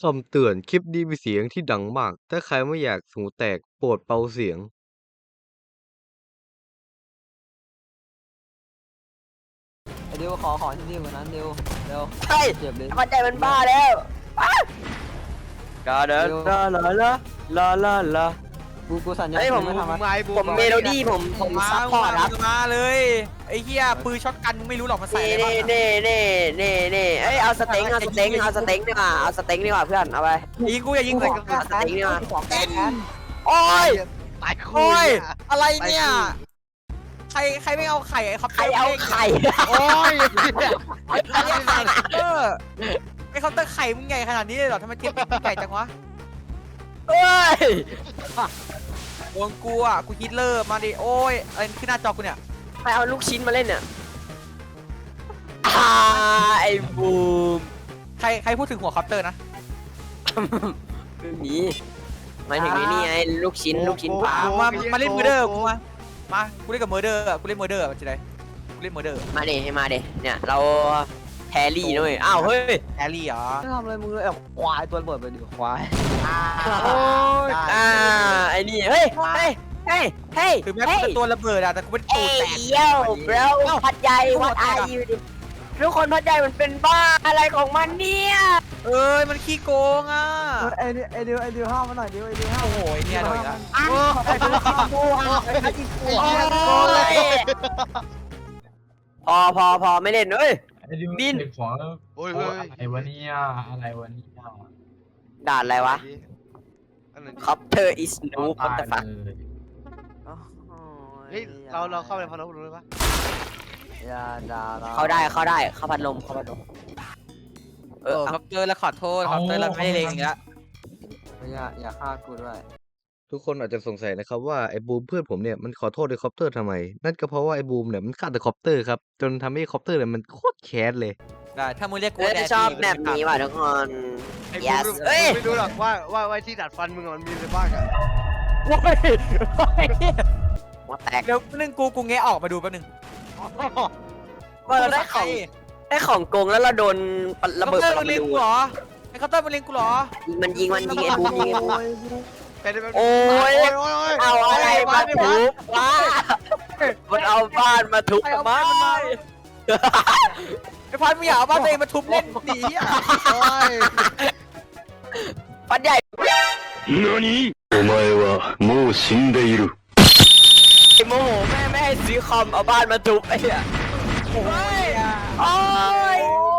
คำเตือนคลิปนี้มีเสียงที่ดังมาก ถ้าใครไม่อยากหูแตกโปรดเบาเสียงไอ้ดิวขอที่ดิวกว่านั้นดิวเร็วเฮ้ยเจ็บเลยมันใจมันบ้าแล้วก็เดินลากูสัญญาเฮ้ยผมไม่ทำอะผมเมโลดี้ผมซัพพอร์ตครับมาเลยไอ้เหี้ยปืนช็อตกันมึงไม่รู้หรอกมันใส่อะไรบ้างนี่เอ้ยเอาสเต็งดีกว่าเอาสเต็งดีกว่าเพื่อนเอาไปยิงกูอย่ายิงใส่กันเอาสเต็งดีกว่าของแกนโอ้ยตายคู่โอ้ยอะไรเนี่ยใครไม่เอาไข่ไอ้ครับใครเอาไข่โอ้ยไอ้ไข่ไอ้เคาน์เตอร์ไข่มึงใหญ่ขนาดนี้เลยเหรอทำไมเทียบเป็นใหญ่จังวะเอ้ยโดนกูอ่ะกูฮิตเลอร์มาดิโอ้ยอะไรขึ้นหน้าจอกูเนี่ยใครเอาลูกชิ้นมาเล่นเนี่ยไอ้บูมใครพูดถึงหัวเคาน์เตอร์นะไม่มีหมายถึงนี่ไงลูกชิ้นปลามาเล่นเมอร์เดอร์กูมากูเล่นกับเมอร์เดอร์กูเล่นเมอร์เดอร์มันจะได้กูเล่นเมอร์เดอร์มาเดเนี่ยเราแฮร์รี่ด้วยอ้าวเฮ้ยแอลลี่เหรอไม่ทำอะไรมึงเลยควายตัวระเบิดไปดิควายโอ้ยไอ้นี่เฮ้ยถึงแม้กูจะตัวระเบิดอะแต่กูเป็นตูเอ้ดแตกยโย่บรพัดใหญ่วัดอายุดิทุกคนพัดใหญ่มันเป็นบ้าอะไรของมันเนี่ยเอ้ยมันขี้โกงอ่ะไอ้ดิวห้ามมาหน่อยดิวไอ้ดิวห้ามโอ้โหเนี่ยโดนอีกแล้วไอ้ดิวห้ามกูไอ้ดิวกูพอไม่เล่นเอ้ยบินของโอ้ยอะไรวะเนี่ยอะไรวะเนี่ยด่านอะไรวะคอปเตอร์อิสนูคอปเตอร์ฟักเลยเฮ้ยเราเข้าไปพอเรารู้เลยปะอย่าด่าเข้าได้เข้าพัดลมครับเจอแล้วขอโทษครับเจอแล้วไม่ได้เลงอีกแล้วอย่าฆ่ากูด้วยทุกคนอาจจะสงสัยนะครับว่าไอ้บูมเพื่อนผมเนี่ยมันขอโทษไอ้คอปเตอร์ทำไม นั่นก็เพราะว่าไอ้บูมเนี่ยมันฆ่าแต่คอปเตอร์ครับจนทำให้คอปเตอร์เนี่ยมันโคตรแค้นเลยได้ถ้ามึงเรียกกูชอบแบบนี้ว่ะทุกคนไอ้ yes บูมเอ้ยไม่รู้หรอกว่าที่ดัดฟันมึงมันมีอะไรบ้างอะโอ้ยหัวแตกเดี๋ยวนึงกูแงะออกมาดูแป๊บนึงเราได้ของโกงแล้วเราโดนระเบิดมันเล็งกูเหรอไอ้เคาน์เตอร์มันเล็งกูเหรอมันยิงไอ้บูมยิงไอ้บูมเป็นโอ้ยเอาอะไรมาทุบวะมันเอาบ้านมาทุบทำไมไอ้พันมึงอย่าเอาบ้านตัวเองมาทุบเล่นดีอ่ะปันใหญ่何お前はもう死んでいる。 ไอ้โมโหแม่ไม่ให้ซื้อคอมเอาบ้านมาทุบไอ้เหี้ยโอ้ยโอ้ย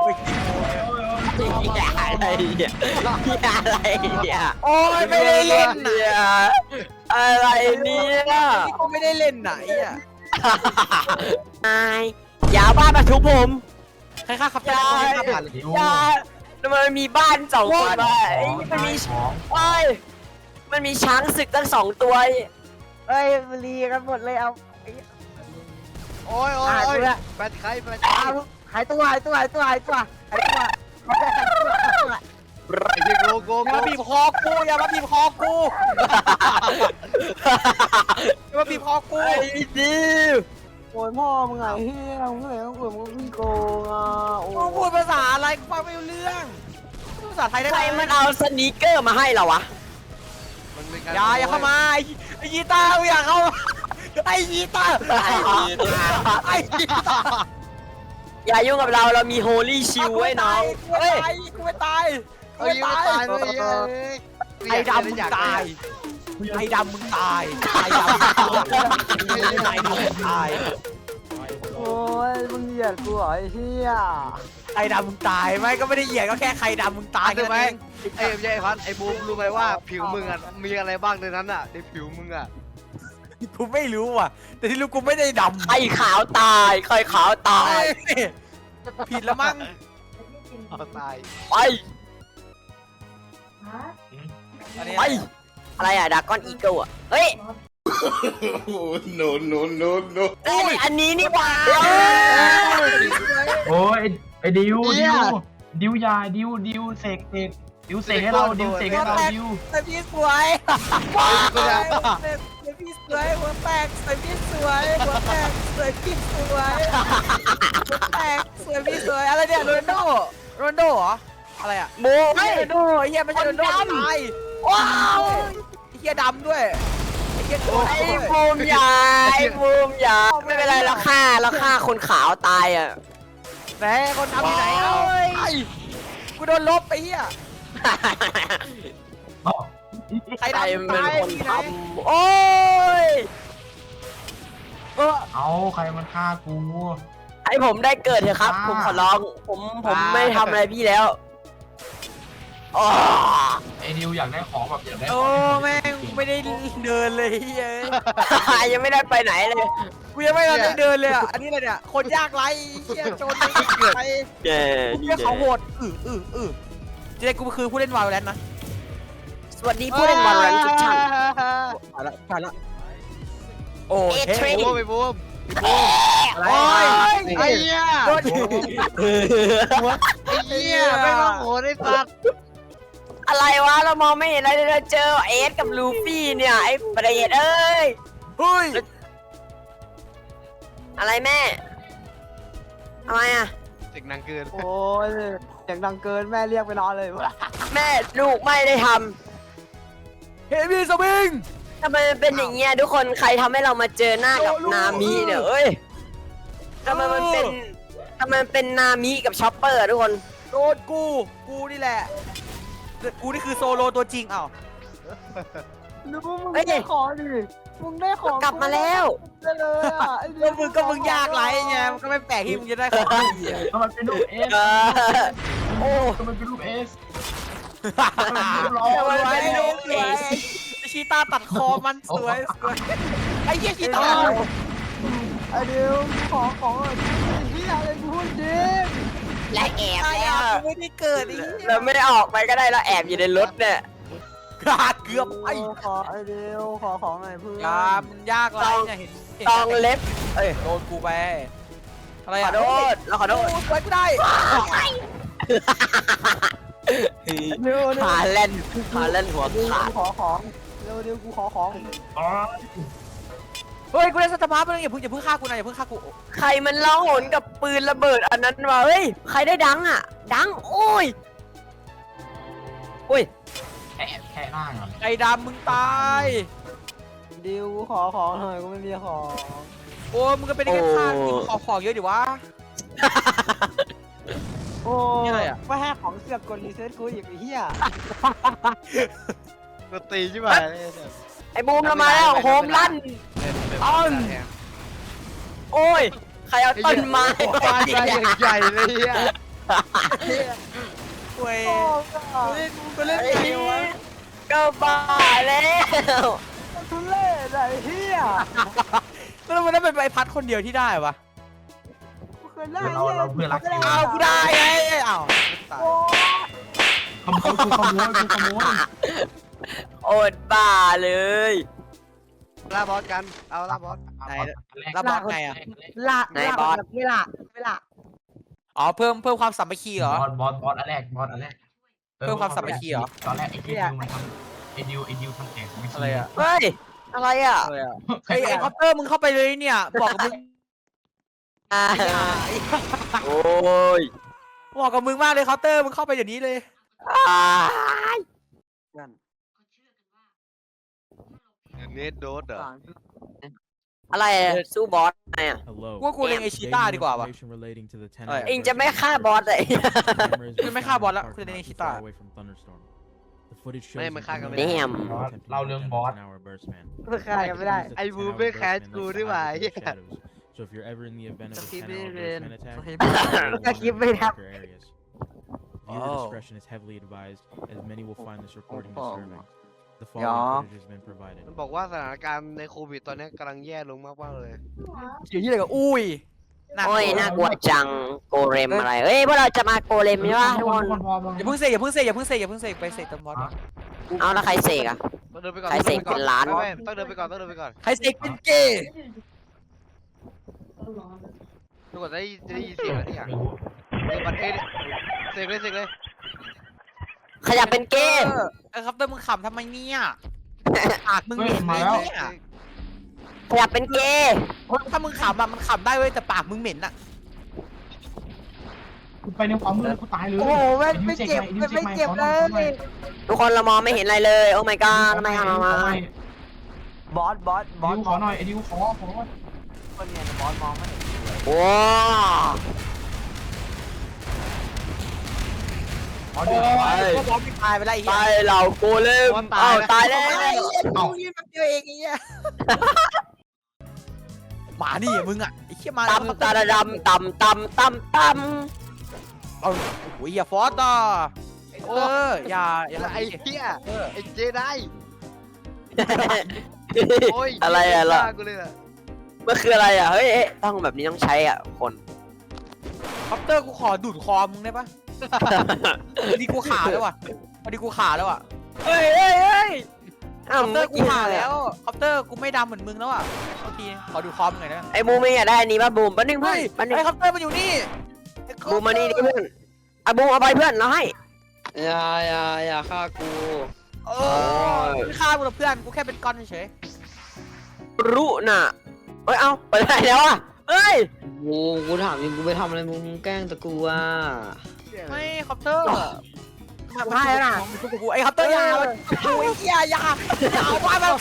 อะไรเนี่ยอะไรเนี่ยโอ้ยไม่ได้เล่นเนี่ยอะไรเนี่ยกูไม่ได้เล่นไหนอ่ะนายอย่าเอาบ้านมาทุบผมใครฆ่าครับจ้าฆ่าผ่านเลยอย่ามันมีบ้านสองตัวมันมีของโอ้ยมันมีช้างศึกตั้ง2 ตัวเฮ้ยมันรีกันหมดเลยเอาโอ้ยแบตใครหายตัวไอ้เหี้ยโกอย่ามาบีบคอกูอย่ามาบีบคอกูอย่ามาบีบคอกูไอ้ดิวโอ้ยพ่อมึงไงเฮียมึงเลยต้องกลัวมึงพี่โกงอ่ะโอ้มึงพูดภาษาอะไรกูฟังไม่รู้เรื่องพูดภาษาไทยได้ใคไหรมมันเอาสนีกเกอร์มาให้เราวะอย่าเข้ามาไอ้ยีตาอย่าเข้าไอ้ยีตาไอ้ยีตาอย่ายุ่งกับเรามีโฮลี่ชิลไว้น้องกูไม่ตายกูไม่ตาย ไอ้ดำมึงตายไอ้ดำมึงตายไอ้ดำมึงตายโอ้ยมึงเหยียดกูเหรอไอ้เฮียไอ้ดำมึงตายไม่ก็ไม่ได้เหยียดก็แค่ใครดำมึงตายใช่ไหมเองไอ้พัดไอ้บูมรู้ไหมว่าผิวมึงอ่ะมีอะไรบ้างในนั้นอ่ะในผิวมึงอ่ะกูไม่รู้ว่ะแต่ที่รู้กูไม่ได้ดำใครขาวตายใครขาวตายผิดแล้วมั้งตายไปอันนี้ไปอะไรอะดากอนอีเกิลอะเฮ้ย no no no no เอ้ยอันนี้นี่หว่าโอ้ยไอ้ดิวยาดิวเสกให้เราดิวเสกให้เราดิวใส่พี่สวยว้าวใส่พี่สวยหัวแตกใส่พี่สวยหัวแตกใส่พี่สวยหัวแตกสวยพี่สวยอะไรเนี่ยโรนลโดเหรออะไรอ่ะบูไม่โดนโดไอ้เหี้ยไม่ใช่โดนโดตายว้าวไอ้เหี้ยดำด้วยไอ้เหี้ยโดนไอ้บูมอย่าไอ้บูมอย่าไม่เป็นไรเราฆ่าคนขาวตายอ่ะไหนคนดำที่ไหนเอ้าไอ้กูโดนลบไอ้เหี้ยอ๋อใครใครดำเป็นตายคนที่ทไหนำโอ้ยเอาใครมันฆ่ากูให้ผมได้เกิดเถอะครับ ผมขอร้องผมไม่ทำอะไรพี่แล้วอ๋อไอ้ดิวอยากได้ของแบบอยากได้ขโอ้องแม่งไม่ได้เดินเลยเฮ้ยยังไม่ได้ไปไหนเลยกูยังไม่ได้เดินเลยอ่ะอันนี้อะไรเนี่ยคนยากไรเหี้ยโจรไม่เกิดไปเย้เหี้ยเขาโหดเจ๊กูคือผู้เล่นวาโลแรนต์นะสวัสดีผู้เล่นบอลรันทุกท่านผ่านละโอ้ยเทรนบูมไปบูมโอ้ยไอ้เหี้ยโดนไอ้เหี้ยไม่ต้องโหดไอ้สัตว์อะไรวะเรามองไม่เห็นอะไรเลยเราเจอเอสกับลูฟี่เนี่ยไอ้ประเดชเอ้ยเฮ้ยอะไรแม่อะไรอ่ะเสียงดังเกินโอ้ยเสียงดังเกินแม่เรียกไปนอนเลยแม่ลูกไม่ได้ทเฮฟวี่สวิงำทำไมมันเป็นอย่างเงี้ยทุกคนใครทำให้เรามาเจอหน้ากับนามิเนี่ยเอ้ยทำไมมันเป็นนามิกับช็อปเปอร์อะทุกคนโดนกูนี่แหละกูนี่คือโซโลตัวจริงอ้าวดูมึงได้ของดิมึงได้ของกลับมาแล้วได้เลยอ่ะไอ้เหี้ก็มึงยากไรไงมันก็ไม่แปลกที่มึงจะได้ของดีก็มันเป็นรูปเอสโอ้ก็มันเป็นรูปเอสทำไมเป็นลูกเอสชีตาตัดคอมันสวยไอ้เหี้ยชีตาไอ้เดียวของไอ้เหี้ยอะไรกูพูดจริงและแอบไอ้แล้วไม่ได้เกิดอีกเราไม่ได้ออกไปก็ได้เราแอบอยู่ในรถเนี่ยขาดเกือบไอ้ขอไอ้เดียวขอของหน่อยเพื่อนยามันยากไรเนี่ยเห็นตองเล็บเอ้ยโดนกูไปอะไรขออ่ะโทษเราขอโทษไว้กูได้เดี๋ยวหาเล่นหัวขาดขอของเดี๋ยวกูขอของอ๋อเฮ้ยกูได้สตาร์มาร์ไปแล้วอย่าเพิ่งฆ่ากูนะอย่าเพิ่งฆ่ากูใครมันร้องโหนกับปืนระเบิดอันนั้นวะเฮ้ยใครได้ดังอ่ะ ดังโอ้ยอุ้ยแค่ล่างอ่ะไอ้ดำมึงตายเดี๋ยวกูขอของหน่อยกูไม่มีของโอ้มึงก็เป็นแค่ฆ่ากินของเยอะดิวะโอ้นี่อะไรอะว่าแค่ของเสือกกดรีเซ็ตกูอีกไอ้เหี้ยกูตีใช่ไหมไอ้บูมเรามาแล้วโฮมลั่นโอ้ยใครเอาต้นไม้ปาใจใหญ่เลยเหี้ยเว้ยโอ้กูเล่นไอ้ไงนี่วะก็บ้าแล้วทุเล่ไอ้เหี้ยแล้วมันได้เป็นใบพัดคนเดียวที่ได้ปะกูเคยได้เราเพื่อนรักกันอ้าวกูได้ไงอ้าวตายโอ้ขโมยกูขโมยโอดบ้าเลยล่าบอสกัน เอาล่าบอสแล้วบอสไงอ่ะละไหนบอสเวลาอ๋อเพิ่มความสามัคคีเหรอบอสอันแรกบอสอันแรกเพิ่มความสามัคคีเหรอตอนแรกไอ้ดิวมันทำไอ้ดิวทำแข่งไม่อะไรอ่ะเฮ้ยอะไรอ่ะอะไรอ่ะไอ้คอปเตอร์มึงเข้าไปเลยเนี่ยบอกกับมึงโอ้ยบอกกับมึงมากเลยเคาน์เตอร์มึงเข้าไปเดี๋ยวนี้เลยเนทโดสเหรออะไรอะสู้บอสไงอ่ะกูว่ากูเล่นไอชีต้าดีกว่าวะเองจะไม่ฆ่าบอสเลยคือไม่ฆ่าบอสละคือในชิต้าไม่มันฆ่ากันไม่แดได้มเล่าเรื่องบอสเพื่อใครกันไม่ได้ไอ้บูมไม่แคสกูด้วยว่ะไอ้เหี้ย So if you're ever in the event of a Skip 10 hour it burst in. man attack, Skip it up. your areas. Oh. Viewer discretion is heavily advised, as many will find this recording Oh. disturbing. The Yeah. following footage has been provided. มันบอกว่าสถานการณ์ในโควิดตอนนี้กำลังแย่ลงมากๆเลยเดี๋ยวที่อะไรกับอุ้ยโอ้ยน่ากลัวจังโกเรมอะไรเฮ้ยพวกเราจะมาโกเรมใช่ปะทุกคนอย่าเพิ่งเสกอย่าเพิ่งเสกอย่าเพิ่งเสกอย่าเพิ่งเสกไปเสกตำบอสเอาแล้วใครเสกอ่ะต้องเดินไปก่อนใครเสกเป็นล้านไม่ต้องเดินไปก่อนต้องเดินไปก่อนใครเสกเป็นเกย์ทุกคนจะได้ยินเสียงแล้วเนี่ยเสกบัตรเอเสกเลยขยับเป็นเกย์ไอ้ครับเตอร์มึงขำทำไมเนี่ยปากมึงเหม็นเลยเนี่ยขยับเป็นเกย์ถ้ามึงขำอะมันขำได้เว้ยแต่ปากมึงเหม็นอะกูไปในความมืดแล้วกูตายเลยโอ้โหไม่เจ็บไม่เจ็บเลยทุกคนเรามองไม่เห็นอะไรเลย โอ้ my god ทำไมทำมาบอสดิวขอหน่อยไอ้ดิวขอคนเนี่ยบอสมองไม่เห็นโอ้ขอเดือดไปก็บอสไม่ตายไปแล้วไอ้ไปเหี้ยเราโกเลมอ้าวตายแล้วกูยืนแบบเดียวเองไอ้เหี้ยหมานี่มึงอ่ะไอ้เหี้ยมาตำตาดำตำตำตำตเอาโอ้ยอย่าฟอสต่ออย่าไอ้เหี้ยเออไอ้เจได้ำโอ้ยอะไรอะล่ะกูเลยอ่ะมันคืออะไรอ่ะเฮ้ยต้องแบบนี้ต้องใช้อ่ะคนคอปเตอร์กูขอดูดคอมึงได้ปะวันนี้กูขาดแล้วว่ะวันนี้กูขาดแล้วอ่ะเฮ้ยเฮ้ยเฮ้ยคอปเตอร์กูขาดแล้วคอปเตอร์กูไม่ดำเหมือนมึงแล้วอ่ะโอเคขอดูคอมหน่อยนะไอ้บูมไม่อยากได้อันนี้ป่ะบูมแป๊บนึงเพื่เฮ้อนยแป๊บนึงไอ้คอปเตอร์มันอยู่นี่บูมมานี่ดิเพื่อนอ่ะบูมเอาไปเพื่อนเราให้อย่าฆ่ากูเออไม่ฆ่ากูหรอกเพื่อนกูแค่เป็นก้อนเฉยรู้น่ะเอ้ยเอาไปไหนแล้วอ่ะเอ้ยกูถามจริงกูไปทำอะไรมึงแกล้งตะกูอ่ะไม่คอปเตอร์ให้แล้วน่ะมันชุบกูไอ้คอปเตอร์ยาวโอ้ยเหี้ยยาวว่ามัน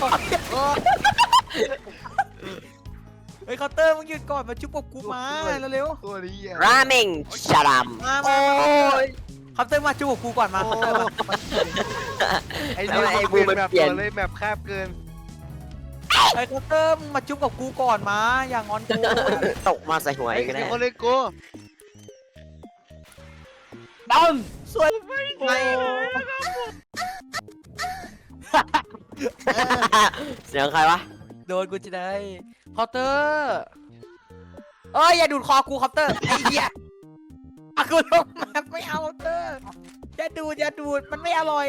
ไอ้คอปเตอร์มึงหยุดก่อนมาชุบกับกูมาเร็วตัวนี้อ่ะราเมงชาดัมๆมาโอ้ยคอปเตอร์มาชุบกับกูก่อนมาคอปเตอร์มาไอ้ทำไมไอ้บูมมันแบบเปลี่ยนตัวเลยแบบแคบเกินไอ้คอปเตอร์มึงมาชุบกับกูก่อนมาอย่างอนกูตกมาใส่หัวไอ้อีกแล้วคนเลยกูดอนสวยไม่เสียงใครวะโดนกูจะได้คอปเตอร์เอ้ยอย่าดูดคอกูคอปเตอร์ไอ้เหี้ยอะกูลงมาไม่เอาคอปเตอร์อย่าดูดมันไม่อร่อย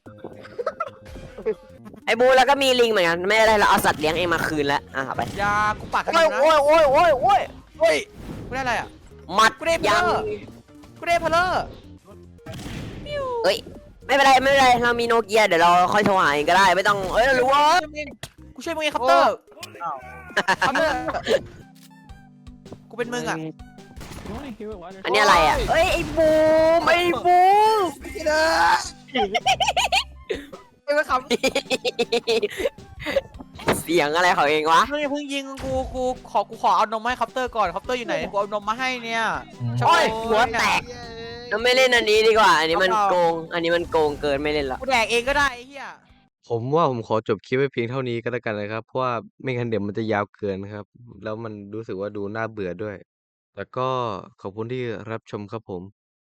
ไอ้บูแล้วก็มีลิงเหมือนกันไม่ได้เราเอาสัตว์เลี้ยงเองมาคืนแล้วอ่ะเอาไปยากูปากกันโอ้ยนะโอ้ยโอ้ยโอ้ยโอ้ยเฮ้ยกูได้อะไรอ่ะมัดกูได้เพลยัอง ร์กูได้เพลอร์เอ้ยไม่เป็นไรไม่เป็นไรเรามีโนเกียเดี๋ยวเราค่อยโทรหาเองก็ได้ไม่ต้องเอ้ยเรารู้ว่ากูช่วยมึงไงคอปเตอร์คอปเตอร์กูเป็นมึงอ่ะอันนี้อะไรอ่ะเอ้ยไอ้บูมไอ้บูมไอ้เว้ยครับเสียงอะไรของเองวะมึงอย่าเพิ่งยิงกูขอเอานมให้คอปเตอร์ก่อนคอปเตอร์อยู่ไหนกูเอานมมาให้เนี่ยโอ้ยหัวแตกเย้ยเราไม่เล่นอันนี้ดีกว่า อันนี้มันโกง อันนี้มันโกงเกินไม่เล่นละกูแดกเองก็ได้ไอ้เหี้ยผมว่าผมขอจบคลิปไว้เพียงเท่านี้ก็แล้วกันนะครับ เพราะว่าไม่งั้นเดี๋ยวมันจะยาวเกินครับ แล้วมันรู้สึกว่าดูน่าเบื่อด้วย แต่ก็ขอบคุณที่รับชมครับผม